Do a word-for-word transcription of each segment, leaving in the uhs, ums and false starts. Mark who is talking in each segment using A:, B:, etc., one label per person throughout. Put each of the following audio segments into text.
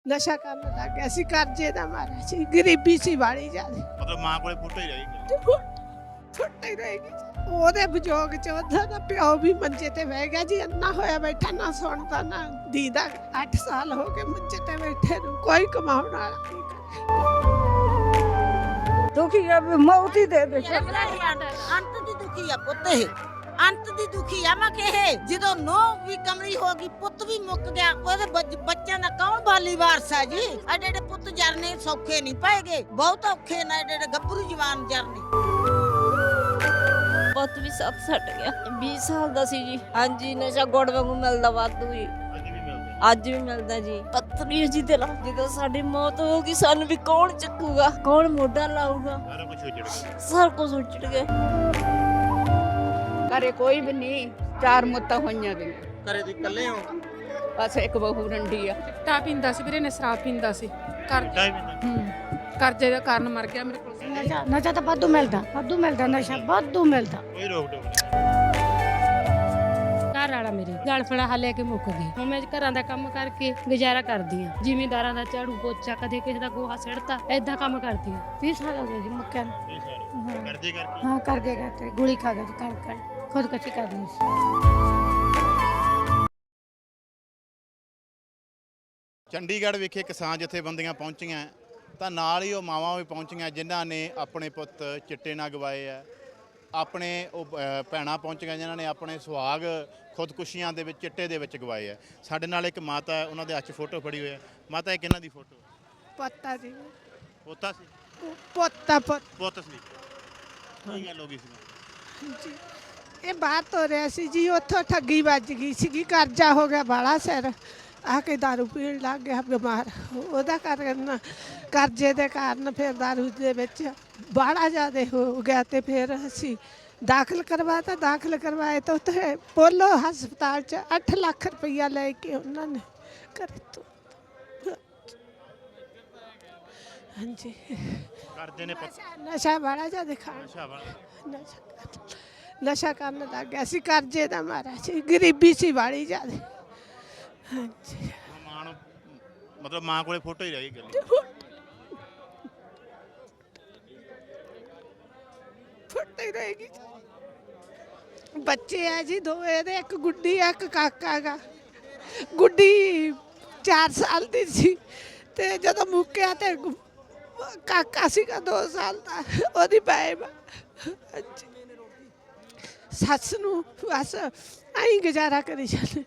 A: ਨਸ਼ਾ ਕਰਨ ਲੱਗ ਗਿਆ ਸੀ, ਕਰਜ਼ੇ ਦਾ ਮਾਰਿਆ ਸੀ, ਗਰੀਬੀ ਸੀ ਵਾਲੀ ਜ਼ਿਆਦਾ।
B: ਮਤਲਬ ਮਾਂ ਕੋਲੇ ਫੋਟੋ ਹੀ ਰਹੀ
A: ਫੁੱਟ ਹੀ ਰਹੇਗੀ। ਉਹਦੇ ਵਿਜੋਗ ਚ ਉਹਦਾ ਦਾ ਪਿਓ ਵੀ ਮੰਜੇ ਤੇ ਬਹਿ ਗਿਆ ਜੀ, ਅੰਨਾ ਹੋਇਆ ਬੈਠਾ, ਨਾ ਸੁਣਦਾ ਨਾ ਦੀਦਾ। ਅੱਠ ਸਾਲ ਹੋ ਗਏ ਮੰਜੇ ਤੇ ਬੈਠੇ ਨੂੰ, ਕੋਈ ਕਮਾਉਣ ਵਾਲਾ ਨਹੀਂ।
C: ਦੁਖੀ ਆ ਵੀ ਮੌਤ ਹੀ ਦੇ ਦੇ।
D: ਅੰਤ ਦੀ ਦੁਖੀ ਆ ਪੁੱਤ, ਇਹ ਅੰਤ ਦੀ ਦੁਖੀ ਆ। ਮੈਂ ਕਿਹਾ ਜਦੋਂ ਨੋ ਵੀ ਕਮਲੀ ਹੋ ਗਈ, ਪੁੱਤ ਵੀ ਮੁੱਕ ਗਿਆ, ਉਹਦੇ ਬੱਚ- ਬੱਚਿਆਂ ਦਾ ਕੌਣ ਬਾਲੀ ਵਾਰਸ ਆ ਜੀ? ਐਡੇ ਐਡੇ ਪੁੱਤ ਜਰਨੇ ਸੌਖੇ ਨਹੀਂ ਪਏਗੇ, ਬਹੁਤ ਔਖੇ ਨੇ ਐਡੇ ਐਡੇ ਗੱਭਰੂ ਜਵਾਨ ਜਰਨੇ।
E: ਪੁੱਤ ਵੀ ਸੱਤ ਸੱਟ ਗਿਆ, ਵੀਹ ਸਾਲ ਦਾ ਸੀ ਜੀ। ਹਾਂਜੀ, ਨਸ਼ਾ ਗੁੜ ਵਾਂਗੂ ਮਿਲਦਾ ਵਾਧੂ ਜੀ,
B: ਅੱਜ ਵੀ ਮਿਲਦੇ
E: ਅੱਜ ਵੀ ਮਿਲਦਾ ਜੀ। ਪੱਥਰੀ ਜੀ ਦਿਲ, ਜਦੋਂ ਸਾਡੀ ਮੌਤ ਹੋਊਗੀ ਸਾਨੂੰ ਵੀ ਕੌਣ ਚੱਕੂਗਾ, ਕੌਣ ਮੋਢਾ ਲਾਊਗਾ?
B: ਸਾਰਾ ਕੁਝ ਉੱਜੜ ਗਿਆ।
E: ਸਭ ਕੁਝ ਉੱਜੜ ਗਿਆ।
C: ਘਰੇ ਕੋਈ ਵੀ ਨਹੀਂ, ਚਾਰ ਮੁੱਤਾਂ ਹੋਈਆਂ ਵੀ।
B: ਘਰੇ ਤੁਸੀਂ ਇਕੱਲੇ ਹੋ?
C: ਬਸ ਇੱਕ ਬਹੂ ਰੰਡੀ ਆ।
F: ਚਿੱਟਾ ਪੀਂਦਾ ਸੀ ਵੀਰੇ ਨੇ, ਸ਼ਰਾਬ ਪੀਂਦਾ ਸੀ। ਕਰ
B: ਟਾਈਮ ਹੀ
F: ਹੂੰ ਕਰਜ਼ੇ ਦਾ ਕਾਰਨ ਮਰ ਗਿਆ ਮੇਰੇ ਕੋਲ।
G: ਨਸ਼ਾ ਨਸ਼ਾ ਤਾਂ ਵਾਧੂ ਮਿਲਦਾ, ਵਾਧੂ ਮਿਲਦਾ, ਨਸ਼ਾ ਵਾਧੂ ਮਿਲਦਾ।
B: ਕੋਈ ਰੋਕ ਟੋਕ ਨਹੀਂ।
H: ਘਰ ਵਾਲਾ ਮੇਰੇ ਗਲ ਫੜਾ ਹਲੇ ਕੇ ਮੁੱਕ ਗਈ। ਹੁਣ ਮੈਂ ਘਰਾਂ ਦਾ ਕੰਮ ਕਰਕੇ ਗੁਜ਼ਾਰਾ ਕਰਦੀ ਆ, ਜ਼ਿਮੀਂਦਾਰਾਂ ਦਾ ਝਾੜੂ ਪੋਚਾ, ਕਦੇ ਕਿਸੇ ਦਾ ਗੋਹਾ ਸਿੜਤਾ, ਏਦਾਂ ਕੰਮ ਕਰਦੀ ਆ।
G: ਵੀਹ ਸਾਲ ਹੋ ਗਏ ਜੀ ਮੁੱਕਿਆ ਨੂੰ।
B: ਇਹ ਸਾਰੇ ਕਰਜ਼ੇ ਕਰਕੇ
G: ਹਾਂ ਕਰਕੇ ਕਰਕੇ ਗੋਲੀ ਖਾ ਗਏ ਜੀ, ਕਰ ਕਰ ਖੁਦਕੁਸ਼ੀ ਕਰ ਲਈ ਸੀ।
B: ਚੰਡੀਗੜ੍ਹ ਵਿਖੇ ਕਿਸਾਨ ਜਥੇਬੰਦੀਆਂ ਪਹੁੰਚੀਆਂ ਤਾਂ ਨਾਲ ਹੀ ਉਹ ਮਾਵਾਂ ਵੀ ਪਹੁੰਚੀਆਂ ਜਿਨ੍ਹਾਂ ਨੇ ਆਪਣੇ ਪੁੱਤ ਚਿੱਟੇ ਨਾਲ ਗਵਾਏ ਆ। ਆਪਣੇ ਉਹ ਅ, ਭੈਣਾਂ ਪਹੁੰਚੀਆਂ ਜਿਨ੍ਹਾਂ ਨੇ ਆਪਣੇ ਸੁਹਾਗ ਖੁਦਕੁਸ਼ੀਆਂ ਦੇ ਵਿੱਚ ਚਿੱਟੇ ਦੇ ਵਿੱਚ ਗਵਾਏ ਆ। ਸਾਡੇ ਨਾਲ ਇੱਕ ਮਾਤਾ ਹੈ, ਉਹਨਾਂ ਦੇ ਹੱਥ 'ਚ ਫੋਟੋ ਫੜੀ ਹੋਈ ਹੈ। ਮਾਤਾ, ਇਹ ਕਿਹਨਾਂ ਦੀ ਫੋਟੋ?
A: ਪੋਤਾ ਜੀ,
B: ਪੋਤਾ ਸੀ?
A: ਪੋਤਾ ਪੁੱਤ
B: ਪੁੱਤ ਸੀ। ਕੀ ਗੱਲ ਹੋ ਗਈ ਸੀ?
A: ਜੀ। ਇਹ ਬਾਹਰ ਤੋਂ ਰਿਹਾ ਸੀ ਜੀ, ਉੱਥੋਂ ਠੱਗੀ ਵੱਜ ਗਈ ਸੀਗੀ, ਕਰਜ਼ਾ ਹੋ ਗਿਆ ਬਾਲਾ ਸਿਰ, ਆ ਕੇ ਦਾਰੂ ਪੀਣ ਲੱਗ ਗਿਆ, ਬਿਮਾਰ। ਉਹਦਾ ਕਾਰਨ ਕਰਜ਼ੇ ਦੇ ਕਾਰਨ ਫਿਰ ਦਾਰੂ ਦੇ ਵਿੱਚ ਬਾਹਲਾ ਜ਼ਿਆਦਾ ਹੋ ਗਿਆ ਤੇ ਫਿਰ ਅਸੀਂ ਦਾਖਲ ਕਰਵਾਤਾ। ਦਾਖਲ ਕਰਵਾਏ ਤਾਂ ਉੱਥੇ ਪੋਲੋ ਹਸਪਤਾਲ 'ਚ ਅੱਠ ਲੱਖ ਰੁਪਈਆ ਲੈ ਕੇ ਉਹਨਾਂ ਨੇ ਘਰੇ ਤੋਂ। ਹਾਂਜੀ,
B: ਕਰਦੇ ਨੇ ਪੁੱਤ
A: ਨਸ਼ਾ ਬਾਹਲਾ ਜ਼ਿਆਦਾ ਖਾਣ,
B: ਨਸ਼ਾ ਵਾਲਾ।
A: ਨਸ਼ਾ ਨਸ਼ਾ ਕਰਨ ਲੱਗ ਗਿਆ ਸੀ, ਕਰਜ਼ੇ ਦਾ ਮਾਰਿਆ ਸੀ, ਗਰੀਬੀ ਸੀ ਵਾਲੀ ਜ਼ਿਆਦਾ। ਹਾਂਜੀ,
B: ਮਾਂ ਨੂੰ ਮਤਲਬ ਮਾਂ ਕੋਲੇ ਫੋਟੋ ਹੀ ਰਹੀ ਗੱਲ।
A: ਫੁੱਟ ਹੀ ਰਹੇਗੀ। ਬੱਚੇ ਆ ਜੀ ਦੋ ਇਹਦੇ, ਇੱਕ ਗੁੱਡੀ ਆ, ਇੱਕ ਕਾਕਾ ਗਾ। ਗੁੱਡੀ ਚਾਰ ਸਾਲ ਦੀ ਸੀ ਤੇ ਜਦੋਂ ਮੁੱਕਿਆ ਤੇ ਕਾਕਾ ਸੀਗਾ ਦੋ ਸਾਲ ਦਾ, ਉਹਦੀ ਬਾਇਬ। ਹਾਂਜੀ, ਸੱਸ ਨੂੰ ਬਸ ਆਈ ਗੁਜ਼ਾਰਾ ਕਰੀ ਜਾਂਦੇ।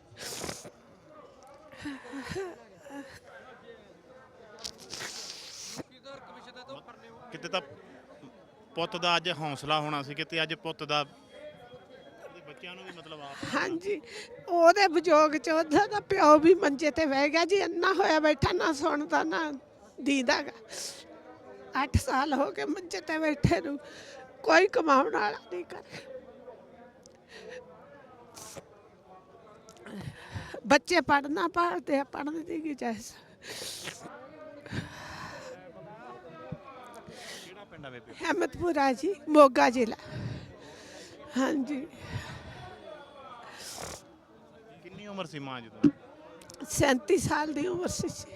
B: ਕਿਤੇ ਤਾਂ ਪੁੱਤ ਦਾ ਅੱਜ ਹੌਸਲਾ ਹੋਣਾ ਸੀ, ਕਿਤੇ ਅੱਜ ਪੁੱਤ ਦਾ ਉਹਦੇ ਬੱਚਿਆਂ ਨੂੰ ਵੀ ਮਤਲਬ ਆਪ।
A: ਹਾਂਜੀ, ਉਹਦੇ ਵਿਜੋਗ ਚ ਉਹਦਾ ਦਾ ਪਿਓ ਵੀ ਮੰਜੇ ਤੇ ਬਹਿ ਗਿਆ ਜੀ, ਅੰਨਾ ਹੋਇਆ ਬੈਠਾ, ਨਾ ਸੁਣਦਾ ਨਾ ਦੀਦਾ ਗਾ। ਅੱਠ ਸਾਲ ਹੋ ਗਏ ਮੰਜੇ ਤੇ ਬੈਠੇ ਨੂੰ, ਕੋਈ ਕਮਾਉਣ ਵਾਲਾ ਨਹੀਂ ਕਰ। ਬੱਚੇ ਪੜ੍ਹਨਾ ਪੜ੍ਹਦੇ ਆ, ਪੜ੍ਹਨ ਦੀ ਗੁੰਜਾਇਸ਼।
B: ਕਿਹੜਾ ਪਿੰਡ ਆ ਬੇਬੇ?
A: ਅਹਿਮਦਪੁਰਾ ਜੀ, ਮੋਗਾ ਜ਼ਿਲ੍ਹਾ। ਹਾਂਜੀ,
B: ਕਿੰਨੀ ਉਮਰ ਸੀ ਮਾਂ ਜਦੋਂ?
A: ਸੈਂਤੀ ਸਾਲ ਦੀ ਉਮਰ ਸੀ ਜੀ।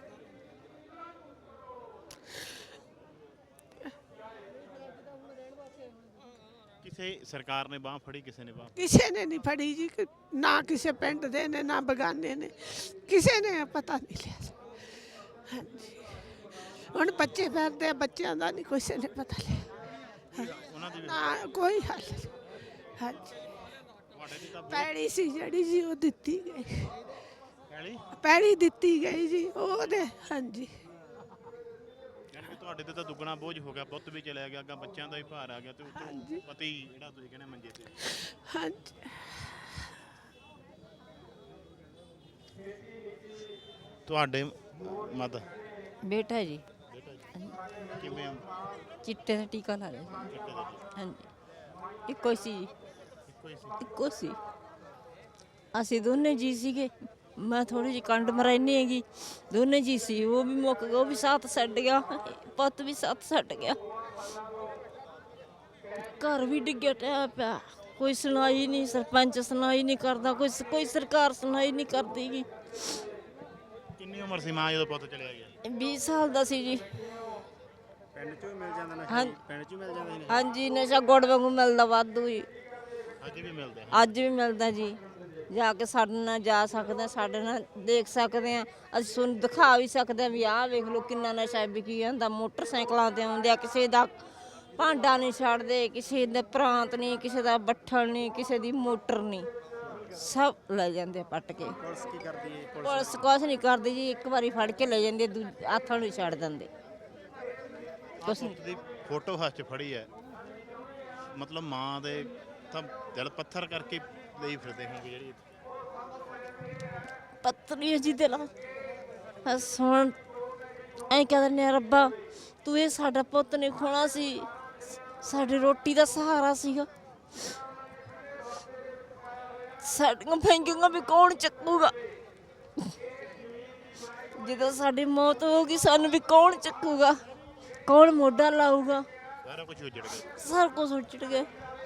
B: ਕਿਸੇ ਸਰਕਾਰ ਨੇ ਬਾਹ ਫੜੀ, ਕਿਸੇ ਨੇ ਬਾਹ?
A: ਕਿਸੇ ਨੇ ਨਹੀਂ ਫੜੀ ਜੀ, ਕਿ ਨਾ ਕਿਸੇ ਪਿੰਡ ਦੇ ਨੇ ਨਾ ਬਗਾਨੇ ਨੇ, ਕਿਸੇ ਨੇ ਪਤਾ ਨਹੀਂ ਲਿਆ। ਹਾਂਜੀ, ਹੁਣ ਬੱਚੇ ਫਿਰਦੇ ਆ, ਬੱਚਿਆਂ ਦਾ ਨਹੀਂ ਕਿਸੇ ਨੇ ਪਤਾ ਲਿਆ।
B: ਉਹਨਾਂ ਦੀ ਵੀ-
A: ਨਾ ਕੋਈ ਹੱਲ ਨਹੀਂ। ਹਾਂਜੀ,
B: ਤੁਹਾਡੇ ਦੀ ਤਾਂ
A: ਪੈੜੀ ਸੀ ਜਿਹੜੀ ਜੀ ਉਹ ਦਿੱਤੀ ਗਈ,
B: ਪੈਲੀ
A: ਪੈੜੀ ਦਿੱਤੀ ਗਈ ਜੀ ਉਹਦੇ। ਹਾਂਜੀ,
B: ਯਾਨੀ ਕਿ ਤੁਹਾਡੇ ਤੇ ਤਾਂ ਦੁੱਗਣਾ ਬੋਝ ਹੋ ਗਿਆ, ਪੁੱਤ ਵੀ ਚਲਿਆ ਗਿਆ, ਅੱਗਾ ਬੱਚਿਆਂ ਦਾ ਵੀ ਭਾਰ ਆ ਗਿਆ ਤੇ ਉੱਤੋਂ ਪਤੀ ਜਿਹੜਾ ਤੁਸੀਂ ਕਹਿੰਦੇ ਮੰਜੇ ਤੇ।
A: ਹਾਂਜੀ,
B: ਤੁਹਾਡੇ ਮਾਤਾ
E: ਬੇਟਾ ਜੀ
B: ਕਿਵੇਂ?
E: ਚਿੱਟੇ ਦਾ ਟੀਕਾ ਲਾ ਲਿਆ ਸੀ।
B: ਚਿੱਟੇ ਦਾ
E: ਹਾਂਜੀ, ਇੱਕੋ ਸੀ ਜੀ,
B: ਇੱਕੋ ਹੀ ਸੀ।
E: ਇੱਕੋ ਸੀ। ਅਸੀਂ ਦੋਨੇ ਜੀ ਸੀਗੇ। ਮੈਂ ਥੋੜੀ ਜਿਹੀ ਕੰਡ ਮਰਾਈਨੀ ਹੈਗੀ, ਦੋਨੇ ਜੀ ਸੀ। ਉਹ ਵੀ ਮੁੱਕ ਗਿਆ, ਉਹ ਵੀ ਸਾਥ ਛੱਡ ਗਿਆ, ਪੁੱਤ ਵੀ ਸਾਥ ਛੱਡ ਗਿਆ। ਘਰ ਵੀ ਡਿੱਗਿਆ ਟਿਆ ਪਿਆ, ਕੋਈ ਸੁਣਾਈ ਨਹੀਂ, ਸਰਪੰਚ ਸੁਣਾਈ ਨਹੀਂ ਕਰਦਾ, ਕੋਈ ਕੋਈ ਸਰਕਾਰ ਸੁਣਾਈ ਨਹੀਂ ਕਰਦੀ ਗੀ।
B: ਕਿੰਨੀ ਉਮਰ ਸੀ ਮਾਂ ਜਦੋਂ ਪੁੱਤ ਚਲਿਆ ਗਿਆ?
E: ਵੀਹ ਸਾਲ ਦਾ ਸੀ ਜੀ।
I: ਪਿੰਡ ਚੋਂ ਹੀ ਮਿਲ ਜਾਂਦਾ ਨਸ਼ਾ
E: ਹਾਂ-
I: ਜੀ? ਪਿੰਡ ਚੋਂ ਹੀ ਮਿਲ ਜਾਂਦਾ ਸੀ ਨਸ਼ਾ?
E: ਹਾਂਜੀ ਨਸ਼ਾ ਗੁੜ ਵਾਂਗੂ ਮਿਲਦਾ ਵਾਧੂ ਜੀ।
B: ਅੱਜ ਵੀ ਮਿਲਦਾ ਹੈ?
E: ਅੱਜ ਵੀ ਮਿਲਦਾ ਜੀ। ਜਾ ਕੇ ਸਾਡੇ ਨਾਲ ਜਾ ਸਕਦੇ ਹਾਂ, ਸਾਡੇ ਨਾਲ ਦੇਖ ਸਕਦੇ ਆ, ਅਸੀਂ ਤੁਹਾਨੂੰ ਦਿਖਾ ਵੀ ਸਕਦੇ ਆ ਵੀ ਆਹ ਵੇਖ ਲਓ ਕਿੰਨਾ ਨਸ਼ਾ ਵਿਕੀ ਜਾਂਦਾ। ਮੋਟਰਸਾਈਕਲਾਂ ਤੇ ਆਉਂਦੇ ਆ, ਕਿਸੇ ਦਾ ਭਾਂਡਾ ਨਹੀਂ ਛੱਡਦੇ, ਕਿਸੇ ਦੇ ਪ੍ਰਾਂਤ ਨਹੀਂ, ਕਿਸੇ ਦਾ ਬੱਠਲ ਨਹੀਂ, ਕਿਸੇ ਦੀ ਮੋਟਰ ਨਹੀਂ, ਸਭ ਲੈ ਜਾਂਦੇ ਆ ਪੱਟ ਕੇ।
I: ਪੁਲਿਸ ਕੀ ਕਰਦੀ ਹੈ? ਪੁਲਿਸ
E: ਪੁਲਿਸ ਕੁਛ ਨਹੀਂ ਕਰਦੀ ਜੀ, ਇੱਕ ਵਾਰੀ ਫੜ ਕੇ ਲੈ ਜਾਂਦੇ, ਦੂਜੇ ਹੱਥਾਂ ਨੂੰ ਛੱਡ ਦਿੰਦੇ। ਕੁਛ ਨਹੀਂ।
B: ਪੁੱਤ ਦੀ ਫੋਟੋ ਹੱਥ 'ਚ ਫੜੀ ਹੈ, ਮਤਲਬ ਮਾਂ ਦੇ ਤਾਂ ਦਿਲ ਪੱਥਰ ਕਰਕੇ ਲਈ ਫਿਰਦੇ ਹੋਣਗੇ ਜਿਹੜੀ
E: ਪਤਨੀ ਜੀ ਦਿਲ ਸੁਣ ਐਂ ਕਹਿੰਦੇ ਨੇ ਰੱਬਾ ਤੂੰ ਇਹ ਸਾਡਾ ਪੁੱਤ ਨਹੀਂ ਖੋਣਾ ਸੀ, ਸਾਡੀ ਰੋਟੀ ਦਾ ਸਹਾਰਾ ਸੀਗਾ, ਸਾਡੀਆਂ ਫੈਂਕੀਆਂ ਵੀ ਕੌਣ ਚੱਕੂਗਾ, ਜਦੋਂ ਸਾਡੀ ਮੌਤ ਹੋਊਗੀ ਸਾਨੂੰ ਵੀ ਕੌਣ ਚੱਕੂਗਾ, ਕੌਣ ਮੋਢਾ ਲਾਊਗਾ।
B: ਸਾਰਾ ਕੁਝ ਉਜੜ ਗਿਆ।
E: ਸਾਰਾ ਕੁਝ ਉੱਜੜ ਗਿਆ।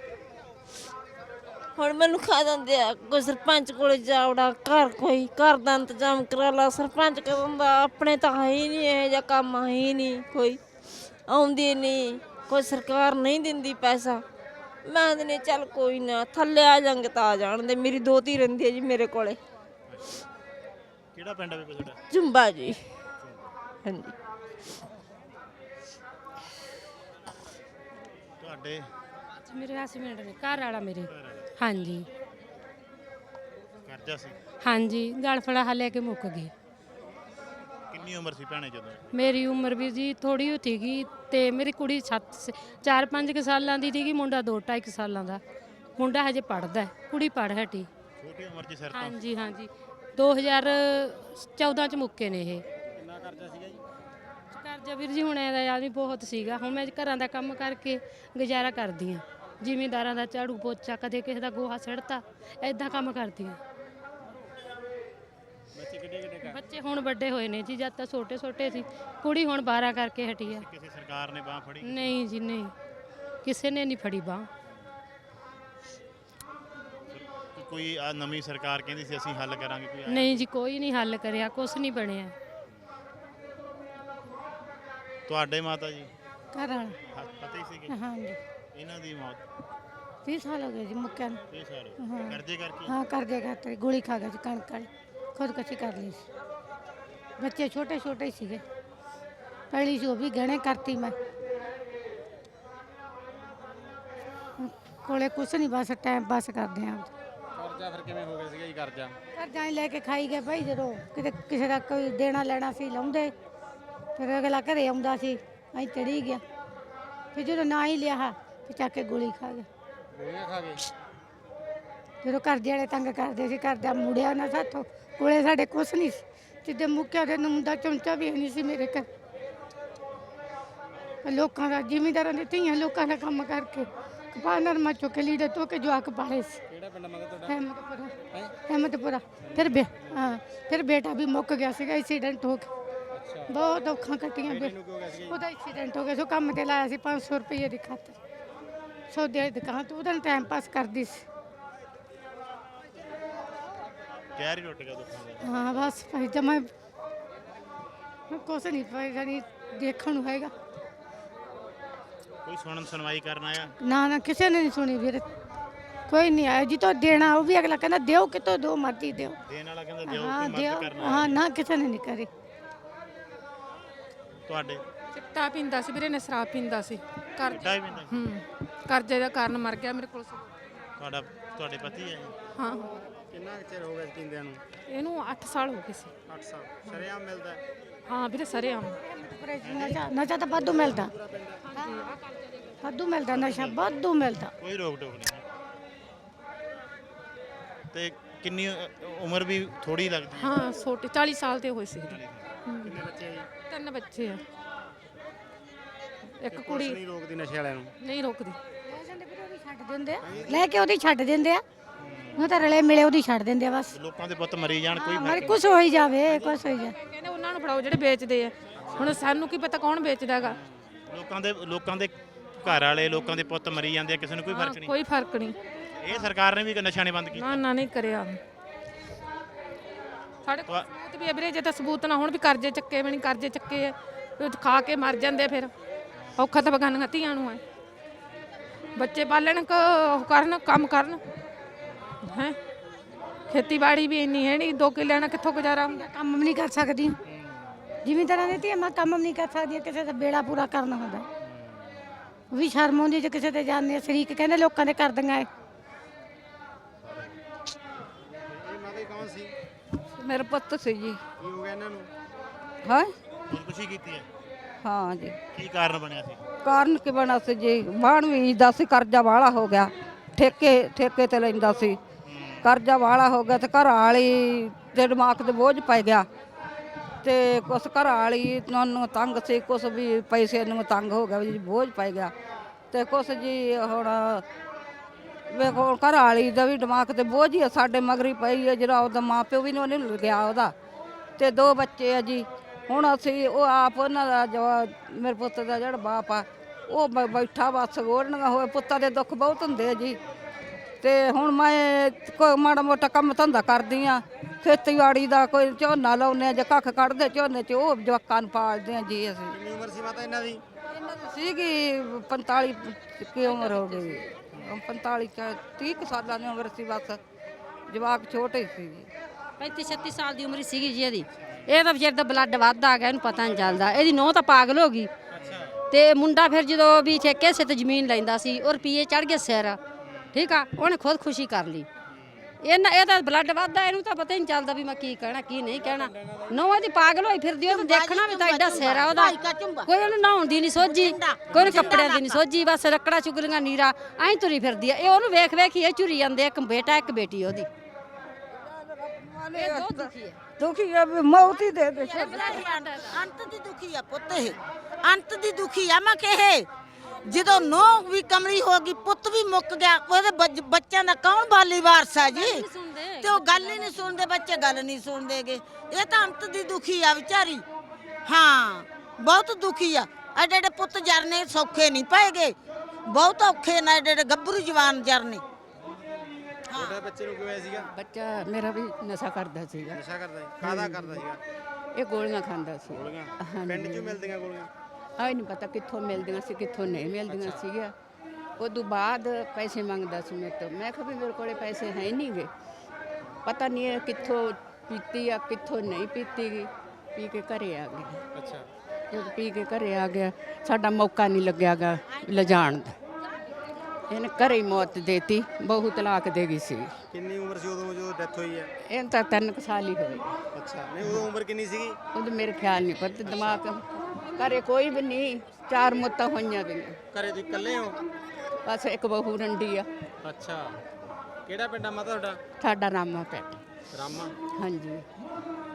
E: ਹੁਣ ਮੈਨੂੰ ਖਾ ਦਿੰਦੇ ਆ, ਕੋਈ ਸਰਪੰਚ ਕੋਲੇ ਜਾਵੜਾ, ਘਰ ਕੋਈ ਘਰ ਦਾ ਇੰਤਜ਼ਾਮ ਕਰਾ ਲਾ, ਸਰਪੰਚ ਕਹਿੰਦਾ ਆਪਣੇ ਤਾਂ ਹੈ ਹੀ ਨਹੀਂ, ਇਹੋ ਜਿਹਾ ਕੰਮ ਹੈ ਹੀ ਨਹੀਂ, ਕੋਈ ਆਉਂਦੀ ਨਹੀਂ, ਕੋਈ ਸਰਕਾਰ ਨਹੀਂ ਦਿੰਦੀ ਪੈਸਾ। ਮੈਂ ਕਹਿੰਦੀ ਚੱਲ ਕੋਈ ਨਾ ਥੱਲੇ ਆ ਜਾਂਗੇ ਤਾਂ ਆ ਜਾਣ ਦੇ। ਮੇਰੀ ਦੋਤੀ ਰਹਿੰਦੀ ਹੈ ਜੀ ਮੇਰੇ ਕੋਲੇ।
B: ਕਿਹੜਾ ਪਿੰਡ ਹੈ ਤੁਹਾਡਾ?
E: ਜੁੰਬਾ ਜੀ। ਹਾਂਜੀ
B: ਤੁਹਾਡੇ
H: ਮੇਰੇ ਹਸਬੈਂਡ ਨੇ ਘਰ ਵਾਲਾ ਮੇਰੇ। ਹਾਂਜੀ
B: ਕਰਜ਼ਾ ਸੀ?
H: ਹਾਂਜੀ ਗਲ ਫੜਾ ਹਾ ਲੈ ਕੇ ਮੁੱਕ ਗਏ।
B: ਕਿੰਨੀ ਉਮਰ ਸੀ ਭੈਣੇ ਜਦੋਂ?
H: ਮੇਰੀ ਉਮਰ ਵੀ ਜੀ ਥੋੜੀ ਹੋ ਸੀਗੀ ਤੇ ਮੇਰੀ ਕੁੜੀ ਸੱਤ ਸ- ਚਾਰ ਪੰਜ ਕੁ ਸਾਲਾਂ ਦੀ ਸੀਗੀ, ਮੁੰਡਾ ਦੋ ਢਾਈ ਕੁ ਸਾਲਾਂ ਦਾ। ਮੁੰਡਾ ਹਜੇ ਪੜਦਾ, ਕੁੜੀ ਪੜ ਹਟੀ।
B: ਛੋਟੀ ਉਮਰ 'ਚ ਸਿਰ ਤੋਂ?
H: ਹਾਂਜੀ ਹਾਂਜੀ ਦੋ ਹਜ਼ਾਰ ਚੌਦਾਂ ਚ ਮੁੱਕੇ ਨੇ ਇਹ।
I: ਕਿੰਨਾ ਕਰਜ਼ਾ ਸੀਗਾ ਜੀ?
H: ਕਰਜ਼ਾ ਵੀਰ ਜੀ ਹੁਣ ਇਹਦਾ ਆਦਮੀ ਬਹੁਤ ਸੀਗਾ। ਹੁਣ ਮੈਂ ਘਰਾਂ ਦਾ ਕੰਮ ਕਰਕੇ ਗੁਜ਼ਾਰਾ ਕਰਦੀ ਹਾਂ, ਜ਼ਿਮੀਂਦਾਰਾਂ ਦਾ ਝਾੜੂ ਪੋਚਾ, ਕਦੇ ਕਿਸੇ ਦਾ ਗੋਹਾ ਸਿੜਤਾ, ਐਦਾਂ ਕੰਮ ਕਰਦੀ ਹਾਂ।
I: ਬੱਚੇ ਕਿੱਡੇ ਕਿੱਡੇ ਕਰ?
H: ਬੱਚੇ ਹੁਣ ਵੱਡੇ ਹੋਏ ਨੇ ਜੀ, ਜਦ ਤਾਂ ਛੋਟੇ ਛੋਟੇ ਸੀ। ਕੁੜੀ ਹੁਣ ਬਾਰਾਂ ਕਰਕੇ ਹਟੀ ਆ।
B: ਕਿਸੇ ਸਰਕਾਰ ਨੇ ਬਾਹ ਫੜੀ?
H: ਨਹੀਂ ਜੀ ਨਹੀਂ, ਕਿਸੇ ਨੇ ਨਹੀਂ ਫੜੀ ਬਾਂਹ।
B: ਕੋਈ ਆ ਨਵੀਂ ਸਰਕਾਰ ਕਹਿੰਦੀ ਸੀ ਅਸੀਂ ਹੱਲ ਕਰਾਂਗੇ, ਕੋਈ ਆਇਆ?
H: ਨਹੀਂ ਜੀ ਕੋਈ ਨਹੀਂ ਹੱਲ ਕਰਿਆ, ਕੁਛ ਨਹੀਂ ਬਣਿਆ।
B: ਤੁਹਾਡੇ ਮਾਤਾ ਜੀ
G: ਘਰ ਵਾਲਾ
B: ਹਾਂ, ਪਤਾ ਹੀ ਸੀਗੇ
G: ਹਾਂਜੀ
B: ਇਹਨਾਂ ਦੀ ਮੌਤ?
G: ਤੀਹ ਸਾਲ ਹੋ ਗਏ ਜੀ ਮੁੱਕਿਆ ਨੂੰ।
B: ਇਹ ਸਾਰੇ
G: ਹਾਂ।
B: ਕਰਜ਼ੇ ਕਰਕੇ?
G: ਹਾਂ ਕਰਜ਼ੇ ਖਾਤਰ ਗੋਲੀ ਖਾ ਗਿਆ ਜੀ, ਕਣਕ ਵਾਲੀ ਖੁਦਕੁਸ਼ੀ ਕਰ ਲਈ ਸੀ। ਬੱਚੇ ਛੋਟੇ ਛੋਟੇ ਹੀ ਸੀਗੇ, ਪਹਿਲੀ ਸੀ ਉਹ ਵੀ ਗਹਿਣੇ ਕਰਤੀ ਮੈਂ। ਕੋਲੇ ਕੁਛ ਨਹੀਂ, ਬਸ ਟਾਈਮ ਪਾਸ ਕਰਦੇ ਆਂ।
I: ਕਰਜ਼ਾ ਫਿਰ ਕਿਵੇਂ ਹੋ ਗਿਆ ਸੀਗਾ ਜੀ ਕਰਜ਼ਾ?
G: ਕਰਜ਼ਾ ਹੀ ਲੈ ਕੇ ਖਾਈ ਗਏ ਭਾਈ, ਜਦੋਂ ਕਿਤੇ ਕਿਸੇ ਦਾ ਕੋਈ ਦੇਣਾ ਲੈਣਾ ਸੀ ਲਾਉਂਦੇ, ਫਿਰ ਅਗਲਾ ਘਰੇ ਆਉਂਦਾ ਸੀ, ਅਸੀਂ ਚੜੀ ਗਿਆ, ਫਿਰ ਜਦੋਂ ਨਾ ਹੀ ਲਿਆ ਫਿਰ ਚੱਕ ਕੇ ਗੋਲੀ ਖਾ ਗਿਆ।
I: ਗੋਲੀਆਂ ਖਾ ਗਏ?
G: ਜਦੋਂ ਕਰਜ਼ੇ ਵਾਲੇ ਤੰਗ ਕਰਦੇ ਸੀ, ਕਰਜ਼ਾ ਮੁੜਿਆ ਨਾ ਸਾਥੋਂ, ਕੋਲੇ ਸਾਡੇ ਕੁਛ ਨਹੀਂ ਸੀ। ਜਿੱਦੇ ਮੁੱਕਿਆ ਦੇ ਨੂੰ ਦਾ ਚਮਚਾ ਵੀ ਨਹੀਂ ਸੀ ਮੇਰੇ ਘਰ। ਲੋਕਾਂ ਦਾ ਜ਼ਿਮੀਂਦਾਰਾਂ ਦੀ ਧੀਆਂ ਲੋਕਾਂ ਦਾ ਕੰਮ ਕਰਕੇ ਕਪਾਹ ਨਰਮਾ ਚੁੱਕ ਕੇ ਲੀੜੇ ਧੋ ਕੇ ਜਵਾਕ ਪਾਲੇ ਸੀ।
I: ਕਿਹੜਾ ਪਿੰਡ ਮਗਰ ਤੁਹਾਡਾ?
G: ਅਹਿਮਦਪੁਰਾ
I: ਹੈਂ?
G: ਅਹਿਮਦਪੁਰਾ। ਫਿਰ ਬੇ ਹਾਂ ਫਿਰ ਬੇਟਾ ਵੀ ਮੁੱਕ ਗਿਆ ਸੀਗਾ ਐਕਸੀਡੈਂਟ ਹੋ ਕੇ।
I: ਅੱਛਾ,
G: ਬਹੁਤ ਔਖਾਂ ਕੱਟੀਆਂ ਬੇ
I: ਬੇਟੀ ਨੂੰ ਕੀ ਹੋ ਗਿਆ ਸੀਗਾ ਜੀ?
G: ਉਹਦਾ ਐਕਸੀਡੈਂਟ ਹੋ ਗਿਆ ਸੋ ਕੰਮ ਤੇ ਲਾਇਆ ਸੀ ਪੰਜ ਸੌ ਰੁਪਏ ਦੀ ਖਾਤਰ, ਸੌਦੇ ਦੀ ਦੁਕਾਨ ਤੋਂ ਉਹਦਾ ਟਾਈਮ ਪਾਸ ਕਰਦੀ ਸੀ।
B: ਕਹਿਰ ਹੀ ਟੁੱਟ ਗਿਆ ਦੁੱਖਾਂ ਦਾ।
G: ਹਾਂ ਬਸ ਭਾਈ ਜਮਾ ਕੁਛ ਨਹੀਂ ਭਾਈ ਜਾਨੀ ਦੇਖਣ ਨੂੰ ਹੈਗਾ।
B: ਕੋਈ ਸੁਣਨ ਸੁਣਵਾਈ ਕਰਨ ਆਇਆ?
G: ਨਾ ਨਾ ਕਿਸੇ ਨੇ ਨਹੀਂ ਸੁਣੀ ਵੀਰ, ਕੋਈ ਨਹੀਂ ਆਇਆ। ਜਿੱਤੋਂ ਦੇਣਾ ਉਹ ਵੀ ਅਗਲਾ ਕਹਿੰਦਾ ਦਿਓ, ਕਿਤੋਂ ਦੋ ਮਰਜ਼ੀ ਦਿਓ।
B: ਦੇਣ ਵਾਲਾ ਕਹਿੰਦਾ ਦਿਓ,
G: ਹਾਂ
B: ਕੋਈ
G: ਦਿਓ,
B: ਮਦਦ ਕਰਨਾ
G: ਹਾਂ ਨਾ ਕਿਸੇ ਨੇ ਨਹੀਂ ਕਰੀ।
B: ਤੁਹਾਡੇ?
F: ਚਿੱਟਾ ਪੀਂਦਾ ਸੀ ਵੀਰੇ ਨੇ, ਸ਼ਰਾਬ ਪੀਂਦਾ ਸੀ। ਕਰ
B: ਕਿੱਡਾ ਹੀ ਪੈਂਦਾ?
F: ਹੂੰ ਕਰਜ਼ੇ ਦਾ ਕਾਰਨ ਮਰ ਗਿਆ ਮੇਰੇ ਕੋਲ।
B: ਤੁਹਾਡਾ ਤੁਹਾਡੇ ਪਤੀ ਹੈ ਜੀ?
F: ਹਾਂ
I: ਕਿੰਨਾ ਕੁ ਚਿਰ ਹੋ ਗਿਆ ਜੀ ਪੀਂਦਿਆਂ ਨੂੰ?
F: ਇਹਨੂੰ ਅੱਠ ਸਾਲ ਹੋ ਗਏ ਸੀ।
I: ਅੱਠ ਸਾਲ। ਸ਼ਰੇਆਮ ਮਿਲਦਾ ਹੈ?
F: ਹਾਂ ਵੀਰੇ ਸਰੇਆਮ।
G: ਨਸ਼ਾ ਨਸ਼ਾ ਤਾਂ ਵਾਧੂ ਮਿਲਦਾ, ਵਾਧੂ ਮਿਲਦਾ ਨਸ਼ਾ, ਵਾਧੂ ਮਿਲਦਾ।
B: ਕੋਈ ਰੋਕ ਟੋਕ ਨਹੀਂ? ਤੇ ਕਿੰਨੀ ਅ, ਉਮਰ ਵੀ ਥੋੜੀ ਲੱਗਦੀ ਹੈ?
F: ਹਾਂ ਛੋਟੇ ਚਾਲੀ ਸਾਲ ਦੇ ਹੋਏ ਸੀ।
I: ਕਿੰਨੇ ਬੱਚੇ ਆ ਜੀ?
F: ਤਿੰਨ ਬੱਚੇ ਆ, ਇੱਕ
I: ਪੁਲਿਸ
F: ਕੁੜੀ
I: ਨਹੀਂ ਰੋਕਦੀ ਨਸ਼ੇ ਵਾਲਿਆਂ ਨੂੰ?
F: ਨਹੀਂ ਰੋਕਦੀ।
G: ਛੱਡ ਦਿੰਦੇ ਆ, ਲੈ ਕੇ ਉਹਦੀ ਛੱਡ ਦਿੰਦੇ ਆ, ਉਹ ਤਾਂ ਰਲੇ ਮਿਲੇ ਉਹਦੀ ਛੱਡ ਦਿੰਦੇ ਆ ਬਸ।
B: ਲੋਕਾਂ ਦੇ ਪੁੱਤ ਮਰੀ ਜਾਣ, ਕੋਈ
G: ਹਾਂ,
B: ਫਰਕ
G: ਮਰ
B: ਨਹੀਂ?
G: ਕੁਛ ਹੋਈ ਜਾਵੇ, ਕੁਛ ਹੋਈ ਜਾਵੇ।
F: ਕਹਿੰਦੇ ਉਹਨਾਂ ਨੂੰ ਫੜਾਓ ਜਿਹੜੇ ਵੇਚਦੇ ਆ। ਹੁਣ ਸਾਨੂੰ ਕੀ ਪਤਾ ਕੌਣ ਵੇਚਦਾ ਹੈਗਾ।
B: ਲੋਕਾਂ ਦੇ ਲੋਕਾਂ ਦੇ ਘਰ ਵਾਲੇ ਲੋਕਾਂ ਦੇ ਪੁੱਤ ਮਰੀ ਜਾਂਦੇ ਆ, ਕਿਸੇ ਨੂੰ ਕੋਈ
F: ਹਾਂ,
B: ਫਰਕ ਨਹੀਂ?
F: ਕੋਈ ਫਰਕ ਨਹੀਂ।
B: ਇਹ ਸਰਕਾਰ ਨੇ ਵੀ ਨਸ਼ਾ ਨਹੀਂ ਬੰਦ ਕੀਤਾ?
F: ਨਾ ਨਾ ਨਹੀਂ ਕਰਿਆ। ਸਾਡੇ ਕੋਲ ਸਬੂਤ ਵੀ ਹੈ ਵੀਰੇ, ਜੇ ਤਾਂ ਸਬੂਤ ਨਾ ਹੋਣ ਵੀ ਕਰਜ਼ੇ ਚੱਕੇ ਵੀ ਨਹੀਂ ਕਰਜ਼ੇ ਚੱਕੇ ਆ, ਉਹ ਖਾ ਕੇ ਮਰ ਜਾਂਦੇ ਫਿਰ। ਔਖਾ ਤਾਂ ਬਗਾਨੀਆਂ ਧੀਆਂ ਨੂੰ ਹੈ, ਬੱਚੇ ਪਾਲਣ ਕ ਉਹ ਕਰਨ ਕੰਮ ਕਰਨ ਹੈ। ਖੇਤੀਬਾੜੀ ਵੀ ਇੰਨੀ ਹੈ ਨਹੀਂ, ਦੋ ਕਿੱਲਿਆਂ ਨਾਲ ਕਿੱਥੋਂ ਗੁਜ਼ਾਰਾ ਹੁੰਦਾ।
G: ਕੰਮ ਵੀ ਨਹੀਂ ਕਰ ਸਕਦੀ ਜ਼ਿਮੀਂਦਾਰਾਂ ਦੀ ਧੀਆਂ, ਮੈਂ ਕੰਮ ਵੀ ਨਹੀਂ ਕਰ ਸਕਦੀ, ਕਿਸੇ ਦਾ ਬੇੜਾ ਪੂਰਾ ਕਰਨਾ ਹੁੰਦਾ ਉਹ ਵੀ ਸ਼ਰਮ ਆਉਂਦੀ ਜੇ ਕਿਸੇ ਤੇ ਜਾਂਦੇ ਆ। ਸ਼ਰੀਕ ਕਹਿੰਦੇ ਲੋਕਾਂ ਦੇ ਕਰ ਦਿੰਗਾ।
I: ਇਹ ਮਾਤਾ ਕੌਣ ਸੀ?
C: ਮੇਰਾ ਪੁੱਤ ਸੀ ਜੀ।
I: ਕੀ ਹੋ ਗਿਆ ਇਹਨਾਂ ਨੂੰ?
C: ਹਾਂ
B: ਖੁਦਕੁਸ਼ੀ ਕੀਤੀ ਹੈ,
C: ਹਾਂ ਜੀ।
B: ਕੀ ਕਾਰਨ ਬਣਿਆ ਸੀ?
C: ਕਾਰਨ ਕੀ ਬਣਾ ਸੀ ਜੀ, ਬਾਣ ਵੀ ਦਾ ਸੀ, ਕਰਜ਼ਾ ਵਾਲਾ ਹੋ ਗਿਆ, ਠੇਕੇ ਠੇਕੇ ਤੇ ਲੈਂਦਾ ਸੀ, ਕਰਜ਼ਾ ਵਾਲਾ ਹੋ ਗਿਆ ਤੇ ਘਰ ਵਾਲੀ ਦੇ ਦਿਮਾਗ ਤੇ ਬੋਝ ਪੈ ਗਿਆ ਤੇ ਕੁਛ ਘਰ ਵਾਲੀ ਨੂੰ ਤੰਗ ਸੀ, ਕੁਛ ਵੀ ਪੈਸੇ ਨੂੰ ਤੰਗ ਹੋ ਗਿਆ ਜੀ, ਬੋਝ ਪੈ ਗਿਆ ਤੇ ਕੁਛ ਜੀ ਹੁਣ ਵੇਖੋ ਘਰ ਵਾਲੀ ਦਾ ਵੀ ਦਿਮਾਗ ਤੇ ਬੋਝ ਹੀ ਆ, ਸਾਡੇ ਮਗਰੀ ਪਈ ਹੈ, ਜਿਹੜਾ ਉਹਦਾ ਮਾਂ ਪਿਓ ਵੀ ਨਹੀਂ ਗਿਆ ਉਹਦਾ, ਤੇ ਦੋ ਬੱਚੇ ਆ ਜੀ। ਹੁਣ ਅਸੀਂ ਉਹ ਆਪ ਉਹਨਾਂ ਦਾ ਜੋ ਮੇਰੇ ਪੁੱਤ ਦਾ ਜਿਹੜਾ ਬਾਪ ਆ ਉਹ ਬ- ਬੈਠਾ ਬਸ ਗੋੜਨੀਆਂ ਹੋਏ, ਪੁੱਤਾਂ ਦੇ ਦੁੱਖ ਬਹੁਤ ਹੁੰਦੇ ਆ ਜੀ। ਤੇ ਹੁਣ ਮੈਂ ਕੋਈ ਮਾੜਾ ਮੋਟਾ ਕੰਮ ਧੰਦਾ ਕਰਦੀ ਆ, ਖੇਤੀਬਾੜੀ ਦਾ, ਕੋਈ ਝੋਨਾ ਲਾਉਂਦੇ ਆ ਜਾਂ ਕੱਖ ਕੱਢਦੇ ਝੋਨੇ 'ਚ, ਉਹ ਜਵਾਕਾਂ ਨੂੰ ਪਾਲਦੇ ਆ ਜੀ ਅਸੀਂ।
I: ਕਿੰਨੀ ਉਮਰ ਸੀ ਮਾਤਾ ਇਹਨਾਂ ਦੀ?
C: ਇਹਨਾਂ ਦੀ ਸੀਗੀ ਪੰਤਾਲੀ ਕੀ ਉਮਰ ਹੋ ਗਈ, ਪੰਤਾਲੀ ਤੀਹ ਕੁ ਸਾਲਾਂ ਦੀ ਉਮਰ ਸੀ, ਬਸ ਜਵਾਕ ਛੋਟੇ ਸੀ ਜੀ।
H: ਪੈਂਤੀ ਛੱਤੀ ਸਾਲ ਦੀ ਉਮਰ ਸੀਗੀ ਜੀ ਇਹਦੀ। ਇਹ ਤਾਂ ਵਿਚਾਰ ਦਾ ਬਲੱਡ ਵੱਧ ਆ ਗਿਆ, ਇਹਨੂੰ ਪਤਾ ਨਹੀਂ ਚੱਲਦਾ। ਇਹਦੀ ਨੂੰਹ ਤਾਂ ਪਾਗਲ ਹੋ ਗਈ ਤੇ ਮੁੰਡਾ ਫਿਰ ਜਦੋਂ ਵੀ ਠੇਕੇ ਸੇ ਤੇ ਜ਼ਮੀਨ ਲੈਂਦਾ ਸੀ ਉਹ ਰੁਪਈਏ ਚੜ ਗਏ ਸਿਰ, ਠੀਕ ਆ, ਉਹਨੇ ਖੁਦ ਖੁਸ਼ੀ ਕਰ ਲਈ। ਇਹਨਾਂ ਇਹਦਾ ਬਲੱਡ ਵੱਧਦਾ, ਇਹਨੂੰ ਤਾਂ ਪਤਾ ਹੀ ਨਹੀਂ ਚੱਲਦਾ ਵੀ ਮੈਂ ਕੀ ਕਹਿਣਾ ਕੀ ਨਹੀਂ ਕਹਿਣਾ। ਨੂੰਹ ਇਹਦੀ ਪਾਗਲ ਹੋਈ ਫਿਰਦੀ, ਉਹਨੂੰ ਦੇਖਣਾ ਵੀ ਤਾਂ ਐਡਾ ਸਿਰ ਆ ਉਹਦਾ, ਕੋਈ ਉਹਨੂੰ ਨਹਾਉਣ ਦੀ ਨਹੀਂ ਸੋਝੀ, ਕੋਈ ਉਹਨੂੰ ਕੱਪੜਿਆਂ ਦੀ ਨਹੀਂ ਸੋਝੀ, ਬਸ ਲੱਕੜਾ ਚੁਗਲੀਆਂ ਨੀਰਾ ਐਂ ਤੁਰੀ ਫਿਰਦੀ ਆ। ਇਹ ਉਹਨੂੰ ਵੇਖ ਵੇਖ ਹੀ ਇਹ ਝੁਰੀ ਜਾਂਦੇ, ਇੱਕ ਬੇਟਾ ਇੱਕ ਬੇਟੀ ਉਹਦੀ। ਇਹ ਬਹੁਤ ਦੁਖੀ ਹੈ,
C: ਦੁਖੀ ਆ ਵੀ ਮੌਤ ਹੀ ਦੇ ਦੇ।
D: ਅੰਤ ਦੀ ਦੁਖੀ ਆ ਪੁੱਤ, ਇਹ ਅੰਤ ਦੀ ਦੁਖੀ ਆ। ਮੈਂ ਕਹੇ ਜਦੋਂ ਨੋ ਵੀ ਕਮਲੀ ਹੋ ਗਈ, ਪੁੱਤ ਵੀ ਮੁੱਕ ਗਿਆ, ਉਹਦੇ ਬੱਚ- ਬੱਚਿਆਂ ਦਾ ਕੌਣ ਬਾਲੀ ਵਾਰਸ ਆ ਜੀ? ਤੇ ਉਹ ਗੱਲ ਹੀ ਨਹੀਂ ਸੁਣਦੇ, ਬੱਚੇ ਗੱਲ ਨਹੀਂ ਸੁਣਦੇਗੇ। ਇਹ ਤਾਂ ਅੰਤ ਦੀ ਦੁਖੀ ਆ ਵਿਚਾਰੀ। ਹਾਂ ਬਹੁਤ ਦੁਖੀ ਆ। ਐਡੇ ਐਡੇ ਪੁੱਤ ਜਰਨੇ ਸੌਖੇ ਨਹੀਂ ਪਏਗੇ, ਬਹੁਤ ਔਖੇ ਨੇ ਐਡੇ ਐਡੇ ਗੱਭਰੂ ਜਵਾਨ ਜਰਨੇ।
I: ਛੋਟੇ ਬੱਚੇ ਨੂੰ ਕਿਵੇਂ ਸੀਗਾ?
H: ਬੱਚਾ ਮੇਰਾ ਵੀ ਨਸ਼ਾ ਕਰਦਾ ਸੀਗਾ,
I: ਨਸ਼ਾ ਕਰਦਾ ਸੀ? ਕਾਹਦਾ ਕਰਦਾ ਸੀਗਾ?
H: ਇਹ ਗੋਲੀਆਂ ਖਾਂਦਾ ਸੀ।
I: ਗੋਲੀਆਂ? ਪਿੰਡ 'ਚੋਂ ਮਿਲਦੀਆਂ ਗੋਲੀਆਂ?
H: ਆਈ ਨਹੀਂ ਪਤਾ ਕਿੱਥੋਂ ਮਿਲਦੀਆਂ ਸੀ ਕਿੱਥੋਂ ਨਹੀਂ ਮਿਲਦੀਆਂ ਸੀਗੀਆਂ। ਉਦੋਂ ਬਾਅਦ ਪੈਸੇ ਮੰਗਦਾ ਸੀ ਮੇਰੇ ਤੋਂ, ਮੈਂ ਕਿਹਾ ਵੀ ਮੇਰੇ ਕੋਲੇ ਪੈਸੇ ਹੈ ਨਹੀਂ ਗੇ, ਪਤਾ ਨਹੀਂ ਇਹ ਕਿੱਥੋਂ ਪੀਤੀ ਆ ਕਿੱਥੋਂ ਨਹੀਂ ਪੀਤੀ ਗਈ। ਪੀ ਕੇ ਘਰੇ ਆ ਗਿਆ।
I: ਅੱਛਾ।
H: ਜਦ ਪੀ ਕੇ ਘਰੇ ਆ ਗਿਆ, ਸਾਡਾ ਮੌਕਾ ਨਹੀਂ ਲੱਗਿਆਗਾ ਲਿਜਾਣ ਦਾ, ਇਹਨੇ ਘਰੇ ਹੀ ਮੌਤ ਦੇਤੀ। ਬਹੂ ਤਲਾਕ ਦੇ ਗਈ ਸੀ।
I: ਕਿੰਨੀ ਉਮਰ ਸੀ ਉਦੋਂ ਜਦੋਂ ਡੈਥ ਹੋਈ ਹੈ?
H: ਇਹ ਤਾਂ ਤਿੰਨ ਕੁ ਸਾਲ ਹੀ ਹੋਏ।
I: ਅੱਛਾ। ਨਹੀਂ ਉਦੋਂ ਉਮਰ ਕਿੰਨੀ ਸੀਗੀ?
H: ਉਦੋਂ ਮੇਰੇ ਖਿਆਲ ਨਹੀਂ, ਪਰ ਦਿਮਾਗ ਘਰੇ ਕੋਈ ਵੀ ਨਹੀਂ, ਚਾਰ ਮੌਤਾਂ ਹੋਈਆਂ ਗਈਆਂ।
I: ਘਰੇ ਤੁਸੀਂ ਇਕੱਲੇ ਹੋ?
H: ਬਸ ਇੱਕ ਬਹੂ ਰੰਡੀ ਆ।
I: ਅੱਛਾ। ਕਿਹੜਾ ਪਿੰਡ ਆ ਮਾਤਾ ਤੁਹਾਡਾ?
H: ਸਾਡਾ ਰਾਮਾ ਪਿੰਡ।
I: ਰਾਮਾ।
H: ਹਾਂਜੀ।